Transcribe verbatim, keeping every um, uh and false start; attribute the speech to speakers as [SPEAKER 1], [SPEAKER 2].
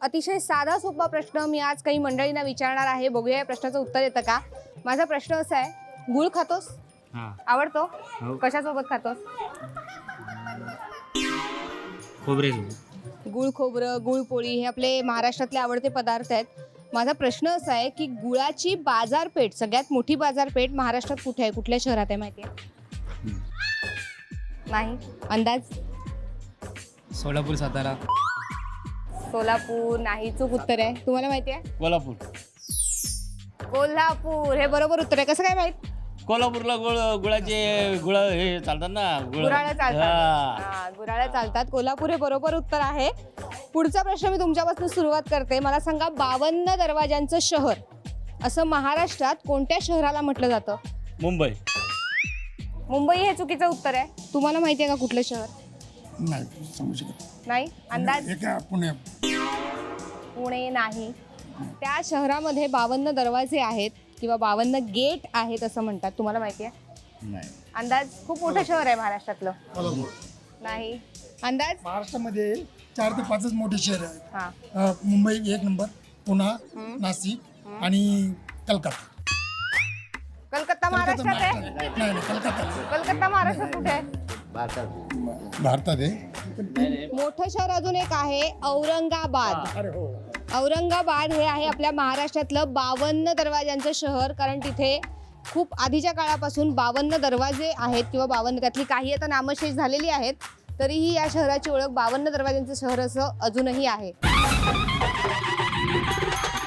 [SPEAKER 1] अतिशय साधा सोपा प्रश्न मी आज काही मंडळींना विचारणार आहे. बघूया या प्रश्नाचं उत्तर येतं का. माझा प्रश्न असा आहे, गुळ खातोस?
[SPEAKER 2] हां.
[SPEAKER 1] आवडतो?
[SPEAKER 2] हो.
[SPEAKER 1] कशासोबत खातोस?
[SPEAKER 2] खोबरे
[SPEAKER 1] गुळ खोबरं, गुळ पोळी हे आपले महाराष्ट्रातले आवडते पदार्थ आहेत. माझा प्रश्न असा आहे की गुळाची बाजारपेठ, सगळ्यात मोठी बाजारपेठ महाराष्ट्रात कुठे आहे, कुठल्या शहरात आहे माहिती आहे? नाही. अंदाज?
[SPEAKER 3] सोलापूर, सातारा.
[SPEAKER 1] सोलापूर नाही, चूक उत्तर आहे. तुम्हाला माहिती आहे?
[SPEAKER 2] कोल्हापूर.
[SPEAKER 1] कोल्हापूर हे बरोबर उत्तर आहे. कसं काय माहित?
[SPEAKER 2] कोल्हापूरला गुळ गुळाचे गुळ हे चालतात ना, गुळ.
[SPEAKER 1] गुराळ्या चालतात.
[SPEAKER 2] हां.
[SPEAKER 1] हा, गुराळ्या चालतात. कोल्हापूर हे बरोबर उत्तर आहे. पुढचा प्रश्न मी तुमच्यापासून सुरुवात करते. मला सांगा, बावन्न दरवाजांचं शहर असं महाराष्ट्रात कोणत्या शहराला म्हटलं जातं?
[SPEAKER 2] मुंबई.
[SPEAKER 1] मुंबई हे चुकीचं उत्तर आहे. तुम्हाला माहिती आहे का कुठलं शहर?
[SPEAKER 4] नाही सांगू शकत.
[SPEAKER 1] नाही. अंदाज?
[SPEAKER 4] एक पुणे.
[SPEAKER 1] पुणे नाही. त्या शहरामध्ये बावन्न दरवाजे आहेत किंवा बावन्न गेट आहेत असं म्हणतात. तुम्हाला माहिती आहे?
[SPEAKER 2] नाही.
[SPEAKER 1] अंदाज? खूप मोठं शहर आहे महाराष्ट्रातलं. नाही. अंदाज?
[SPEAKER 4] महाराष्ट्रामध्ये चार ते पाचच मोठे शहर आहेत.
[SPEAKER 1] हा.
[SPEAKER 4] अ, मुंबई एक नंबर, पुणे, नाशिक आणि कलकत्ता.
[SPEAKER 1] कलकत्ता महाराष्ट्रात आहे?
[SPEAKER 4] नाही नाही कलकत्ता
[SPEAKER 1] कलकत्ता महाराष्ट्रात कुठे आहे?
[SPEAKER 4] भारतात आहे.
[SPEAKER 1] मोठं शहर अजून एक आहे, औरंगाबाद.
[SPEAKER 4] अरे हो.
[SPEAKER 1] औरंगाबाद हे आहे आपल्या महाराष्ट्रातलं बावन्न दरवाजांचं शहर. कारण तिथे खूप आधीच्या काळापासून बावन्न दरवाजे आहेत किंवा बावन्न, त्यातली काही आता नामशेष झालेली आहेत, तरीही या शहराची ओळख बावन्न दरवाजांचं शहर असं अजूनही आहे.